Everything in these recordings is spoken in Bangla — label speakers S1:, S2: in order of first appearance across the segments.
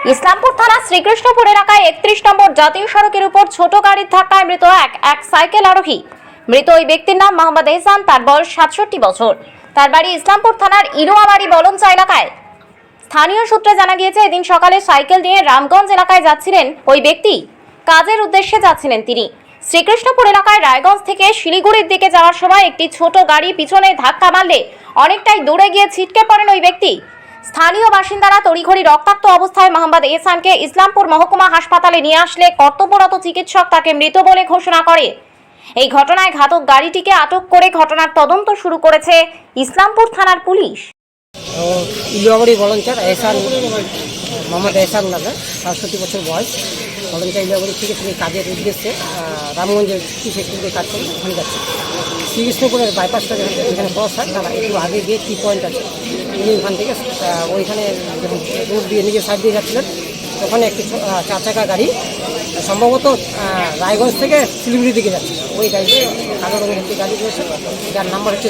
S1: ইসলামপুর থানা শ্রীকৃষ্ণপুর এলাকায় ৩১ নম্বর জাতীয় সড়কের উপর ছোট গাড়ির ধাক্কায় মৃত এক সাইকেল আরোহী। মৃত ওই ব্যক্তির নাম মোহাম্মদ এহসান। তার বয়স ৬৭ বছর। তার বাড়ি ইসলামপুর থানার ইনুয়াবাড়ি বলঞ্চা এলাকায়। স্থানীয় সূত্রে জানা গিয়েছে, এদিন সকালে সাইকেল নিয়ে রামগঞ্জ এলাকায় যাচ্ছিলেন ওই ব্যক্তি। কাজের উদ্দেশ্যে যাচ্ছিলেন তিনি। শ্রীকৃষ্ণপুর এলাকায় রায়গঞ্জ থেকে শিলিগুড়ির দিকে যাওয়ার সময় একটি ছোট গাড়ি পিছনে ধাক্কা মারলে অনেকটাই দূরে গিয়ে ছিটকে পড়েন ওই ব্যক্তি। স্থানীয় বাসিন্দারা তড়িঘড়ি রক্তাক্ত অবস্থায় মোহাম্মদ এহসানকে ইসলামপুর মহকুমা হাসপাতালে নিয়ে আসলে কর্তব্যরত চিকিৎসক তাকে মৃত বলে ঘোষণা করে। এই ঘটনায় ঘাতক গাড়িটিকে আটক করে ঘটনার তদন্ত শুরু করেছে ইসলামপুর থানার পুলিশ।
S2: ইলুয়াবাড়ি বলঞ্চার এহসান, মোহাম্মদ এহসান নামে, ৬৭ বছর বয়স। বলঞ্চা ইলুয়াবাড়ি থেকে তিনি কাজের উদ্দেশ্যে রামগঞ্জের টি ফ্যাক্টরিতে কাজ করেন, ওখানে যাচ্ছে। শ্রীকৃষ্ণপুরের বাইপাসটা যেখানে ক্রস হয় তারা একটু আগে গিয়ে টি পয়েন্ট আছে, তিনি ওখান থেকে ওইখানে যখন রোড দিয়ে নিজের সাইড দিয়ে যাচ্ছিলেন, ওখানে একটি ৪ চাকা গাড়ি সম্ভবত রায়গঞ্জ থেকে শিলিগুড়ির দিকে যাচ্ছে। ওই গাড়িতে কালো রঙের একটি গাড়ি রয়েছে, যার নাম্বার হচ্ছে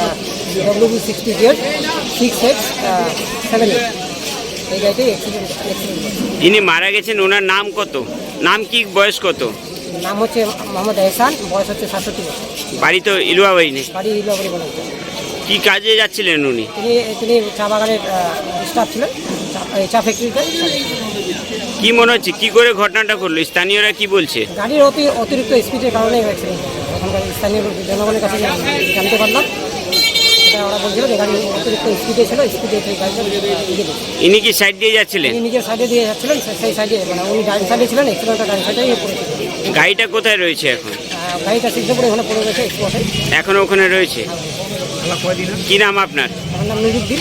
S2: WB686867। এই গাড়িতে অ্যাক্সিডেন্ট।
S3: যিনি মারা গেছেন ওনার নাম কত, নাম কি, বয়স কত?
S2: নাম হচ্ছে মোহাম্মদ এহসান, বয়স হচ্ছে ৬৭ বছর।
S3: বাড়ি তো ইলুয়াবাড়ি নেই?
S2: বাড়ি ইলুয়াবাড়ি বলে।
S3: কি কাজে যাচ্ছিলেন উনি?
S2: তিনি চা বাগানের স্টাফ ছিলেন, চা ফ্যাক্টরিতে।
S3: কি মনে হচ্ছে কি করে ঘটনাটা ঘটলো? স্থানীয়রা কি বলছে?
S2: গাড়ির অতিরিক্ত স্পিডের কারণেই হয়েছে। ওখানকার স্থানীয় জনগণের কাছে জানতে পারলাম, এটা ওরা বলছিল যে গাড়ি অতিরিক্ত স্পিডে ছিল, স্পিডে
S3: ইনি কি সাইড দিয়ে যাচ্ছিলেন?
S2: নিজের সাইডে দিয়ে যাচ্ছিলেন, সেই সাইডে মানে উনি ডাইন সাইডে ছিলেন, এক্সিডেন্টটা ডাইন সাইডেই পড়েছিল।
S3: গাড়িটা কোথায় রয়েছে এখন?
S2: গাড়িটা সিদ্ধপুরে ওখানে পড়ে গেছে, স্পটে
S3: এখনো ওখানে রয়েছে। কি নাম আপনার?
S2: আমার নাম নুরুদ্দিন।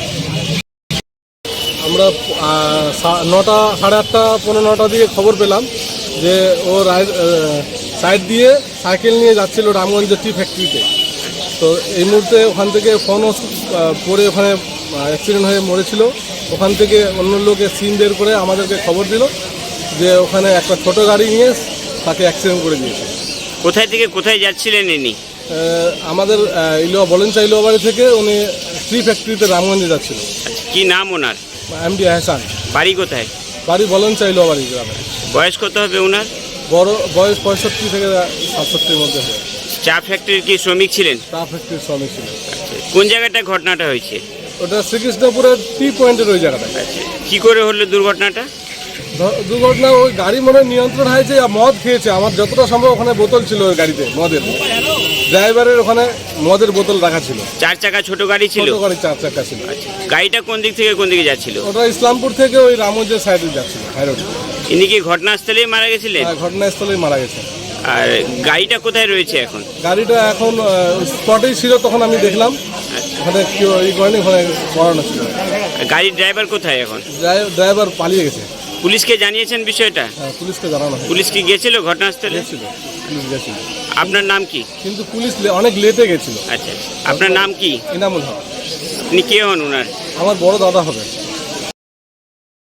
S4: আমরা 9টা, সাড়ে 8টা, 9:15 দিকে খবর পেলাম যে ও সাইড দিয়ে সাইকেল নিয়ে যাচ্ছিল রামগঞ্জের টি ফ্যাক্টরিতে। তো এই মুহূর্তে ওখান থেকে ফোনও পরে ওখানে অ্যাক্সিডেন্ট হয়ে মরেছিল। ওখান থেকে অন্য লোকে সিন বের করে আমাদেরকে খবর দিল যে ওখানে একটা ছোট গাড়ি নিয়ে তাকে অ্যাক্সিডেন্ট করে দিয়েছে।
S3: কোথায় থেকে কোথায় যাচ্ছিলেন ইনি?
S4: আমাদের বলঞ্চা ইলুয়াবাড়ি থেকে উনি টি ফ্যাক্টরিতে রামগঞ্জে যাচ্ছিল।
S3: কি নাম ওনার?
S4: এমডি এহসান।
S3: বাড়ি কোথায়?
S4: বাড়ি বলঞ্চা ইলুয়াবাড়ি গ্রামে।
S3: বয়স কত হবে ওনার?
S4: বয়স 65 থেকে 67-এর মধ্যে হয়।
S3: চা ফ্যাক্টরির কি শ্রমিক ছিলেন?
S4: চা ফ্যাক্টরির শ্রমিক ছিল।
S3: কোন জায়গাটা ঘটনাটা হয়েছে?
S4: ওটা শ্রীকৃষ্ণপুরের টি পয়েন্টের ওই জায়গাটা।
S3: কি করে হলো দুর্ঘটনাটা?
S4: দুর্ঘটনা ওই গাড়ি মনে হয় নিয়ন্ত্রণ হয়েছে, মদ খেয়েছে। আমার যতটা সম্ভব ওখানে বোতল ছিল ওই গাড়িতে মদের, ড্রাইভারের ওখানে মদের বোতল রাখা ছিল।
S3: 4 চাকা ছোট গাড়ি ছিল?
S4: ছোট গাড়ি 4 চাকা ছিল।
S3: গাড়িটা কোন দিক থেকে কোন দিকে যাচ্ছিল?
S4: ওটা ইসলামপুর থেকে ওই রামগঞ্জের সাইডে যাচ্ছিল, হাই রোড।
S3: ইনি কি ঘটনাস্থলেই মারা গেছিলেন?
S4: ঘটনাস্থলেই মারা গেছে।
S3: আর গাড়িটা কোথায় রয়েছে এখন?
S4: গাড়িটা এখন স্পটেই ছিল, তখন আমি দেখলাম ওখানে কেউ এই করেনি, ওখানে করানো ছিল।
S3: গাড়ির ড্রাইভার কোথায় এখন?
S4: ড্রাইভার পালিয়ে গেছে।
S3: পুলিশকে জানিয়েছেন বিষয়টা?
S4: হ্যাঁ, পুলিশকে জানানো হয়।
S3: পুলিশ কি গেছিল ঘটনাস্থলে?
S4: পুলিশ গেছিল।
S3: আপনার নাম কি?
S4: কিন্তু পুলিশ অনেক লেটে গেছিল।
S3: আচ্ছা, আপনার নাম কি?
S4: ইনামুল হক।
S3: আপনি কে হন ওনার?
S4: আমার বড় দাদা হবে।